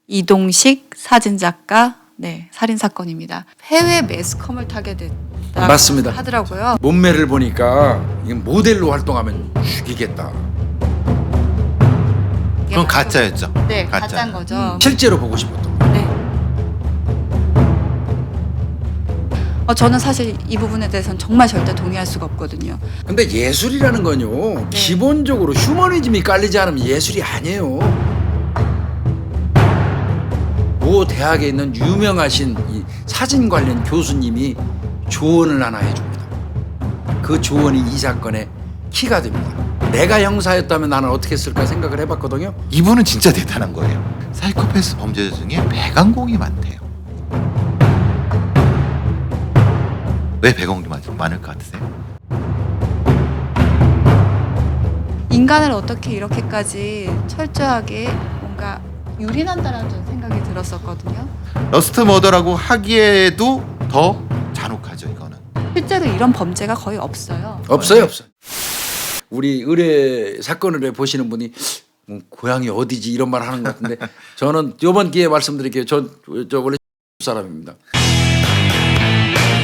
이동식 사진작가 네 살인 사건입니다. 해외 매스컴을 타게 됐다 맞습니다. 하더라고요. 몸매를 보니까 이게 모델로 활동하면 죽이겠다. 그건 가짜였죠. 네, 가짜. 가짜인 거죠. 실제로 보고 싶었던 거. 네. 저는 사실 이 부분에 대해서는 정말 절대 동의할 수가 없거든요. 근데 예술이라는 건요, 기본적으로 휴머니즘이 깔리지 않으면 예술이 아니에요. 모 대학에 있는 유명하신 이 사진 관련 교수님이 조언을 하나 해줍니다. 그 조언이 이 사건의 키가 됩니다. 내가 형사였다면 나는 어떻게 했을까 생각을 해봤거든요. 이분은 진짜 대단한 거예요. 사이코패스 범죄자 중에 배강공이 많대요. 왜 배강공이 많을 것 같으세요? 인간을 어떻게 이렇게까지 철저하게 뭔가 유린한다라는 저는 생각이 들었었거든요. 러스트 머더라고 하기에도 더 잔혹하죠, 이거는. 실제로 이런 범죄가 거의 없어요. 없어요. 우리 의뢰 사건을 보시는 분이 뭐 고향이 어디지 이런 말 하는 것 같은데 저는 이번 기회에 말씀드릴게요. 저 원래 사람입니다.